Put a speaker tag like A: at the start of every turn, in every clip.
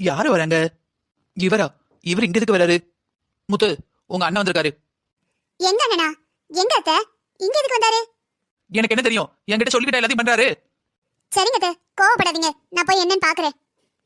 A: யாரு வராங்க? இவரா? இவர் இங்க எதுக்கு வராரு? முத்து, உங்க அண்ணன் வந்திருக்காரு.
B: எங்க அண்ணனா? எங்க அத்தை? இங்க எதுக்கு வந்தாரு?
A: எனக்கு என்ன தெரியும்? என்கிட்ட சொல்லிக்கிட்ட எல்லாத்தையும் பண்றாரு.
B: சரிங்க அத்தை, கோவப்படாதீங்க, நான் போய் என்னன்னு பாக்குறேன்.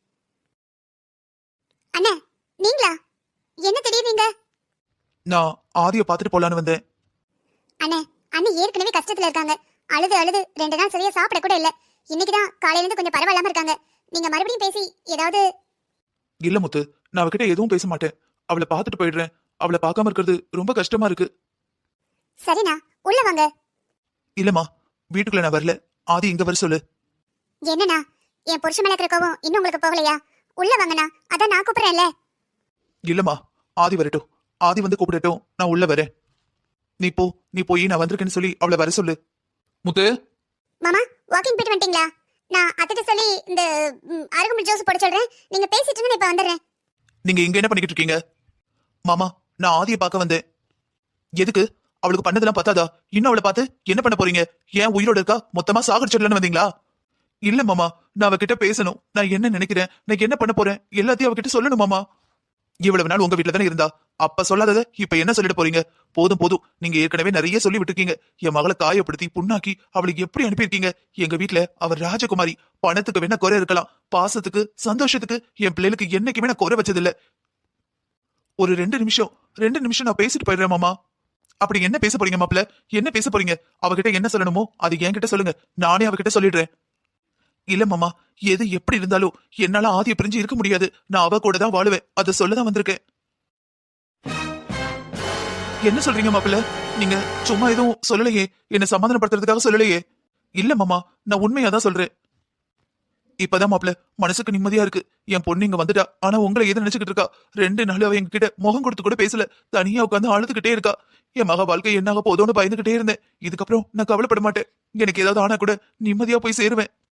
B: அண்ணா, நீங்களா? என்ன திடீர்னு?
A: நான் ஆதிய பாத்துட்டு போலான்னு வந்தேன்.
B: அண்ணே, அண்ணன் ஏற்கனவே கஷ்டத்துல இருக்காங்க. அழுது அழுது 2 நாள் சரியா சாப்பிட கூட இல்ல. இன்னைக்குதான் காலையில இருந்து கொஞ்சம் பரவாயில்லாம இருக்காங்க. நீங்க மறுபடியும் பேசி ஏதாவது.
A: இல்ல முத்து, நான் அவகிட்ட எதுவும் பேச மாட்டேன். அவளை பாத்துட்டு போயிடுறேன். அவளை பார்க்காம இருக்கிறது ரொம்ப கஷ்டமா இருக்கு.
B: சரிண்ணா, உள்ள வாங்க.
A: இல்லம்மா, வீட்டுக்குள்ள நான் வரல. ஆதி இங்க வர சொல்லு.
B: என்னண்ணா, என் புருஷன் மேல இருக்கிற கோவம் இன்னும் உங்களுக்கு போகலையா? உள்ள வாங்கண்ணா, அதான் நான் கூப்பிடுறேன்ல.
A: இல்லம்மா, ஆதி வரட்டும். ஆதி வந்து கூப்பிடட்டும், நான் உள்ள வரேன். நீ போய் நான் வந்திருக்கேன்னு சொல்லி அவளை வர சொல்லு. முத்து.
B: மாமா, வாக்கிங் போயிட்டு வந்துட்டீங்களா? நான் அத்திட்ட சொல்லி இந்த அருகம்புல் ஜூஸ் போட சொல்றேன். நீங்க பேசிட்டு இருங்க, இப்ப வந்துடுறேன்.
A: நீங்க இங்க என்ன பண்ணிக்கிட்டு இருக்கீங்க? மாமா, நான் ஆதியை பார்க்க வந்தேன். எதுக்கு? அவளுக்கு பண்ணதெல்லாம் பத்தாதா? இன்னும் அவளை பார்த்து என்ன பண்ண போறீங்க? ஏன் உயிரோட இருக்கா? மொத்தமா சாகடிச்சிடலன்னு வந்தீங்களா? இல்ல மாமா, நான் அவகிட்ட பேசணும். நான் என்ன நினைக்கிறேன், நான் என்ன பண்ண போறேன் எல்லாத்தையும் அவகிட்ட சொல்லணும் மாமா. இவ்வளவு நாள் உங்க வீட்டுல தானே இருந்தா, அப்ப சொல்லாதத இப்ப என்ன சொல்லிட போறீங்க? போதும் போதும், நீங்க ஏற்கனவே நிறைய சொல்லி விட்டுருக்கீங்க. என் மகளை காயப்படுத்தி புண்ணாக்கி அவளுக்கு எப்படி அனுப்பியிருக்கீங்க? எங்க வீட்டுல அவர் ராஜகுமாரி. பணத்துக்கு வேணா குறை இருக்கலாம், பாசத்துக்கு சந்தோஷத்துக்கு என் பிள்ளைகளுக்கு என்னைக்குமே நான் குறை வச்சதில்ல. ஒரு 2 நிமிஷம் நான் பேசிட்டு போயிடுறேன் மாமா. அப்படி என்ன பேச போறீங்க மாப்பிள்ள? என்ன பேச போறீங்க? அவகிட்ட என்ன சொல்லணுமோ அது என்கிட்ட சொல்லுங்க, நானே அவகிட்ட சொல்லிடுறேன். இல்ல மாமா, எது எப்படி இருந்தாலும் என்னால ஆதிய பிரிஞ்சு இருக்க முடியாது. நான் அவ கூட தான் வாழுவேன். அதை சொல்லதான் வந்திருக்கேன். என்ன சொல்றீங்க மாப்பிள்ள? நீங்க சும்மா எதுவும் சொல்லலையே, என்ன சமாதானப்படுத்துறதுக்காக சொல்லலையே. இல்ல மாமா, நான் உண்மையா தான் சொல்றேன். இப்பதான் மாப்பிள்ள மனசுக்கு நிம்மதியா இருக்கு. என் பொண்ணு இங்க வந்துட்டா. ஆனா உங்களை எது நினைச்சுக்கிட்டு இருக்கா? 2 நாள் அவ எங்க கிட்ட முகம் கொடுத்து கூட பேசல. தனியா உட்காந்து அழுதுகிட்டே இருக்கா. என் மக வாழ்க்கை என்னாக போதோன்னு பயந்துகிட்டே இருந்தேன். இதுக்கப்புறம் நான் கவலைப்பட மாட்டேன். எனக்கு ஏதாவது ஆனா கூட நிம்மதியா போய் சேருவேன்.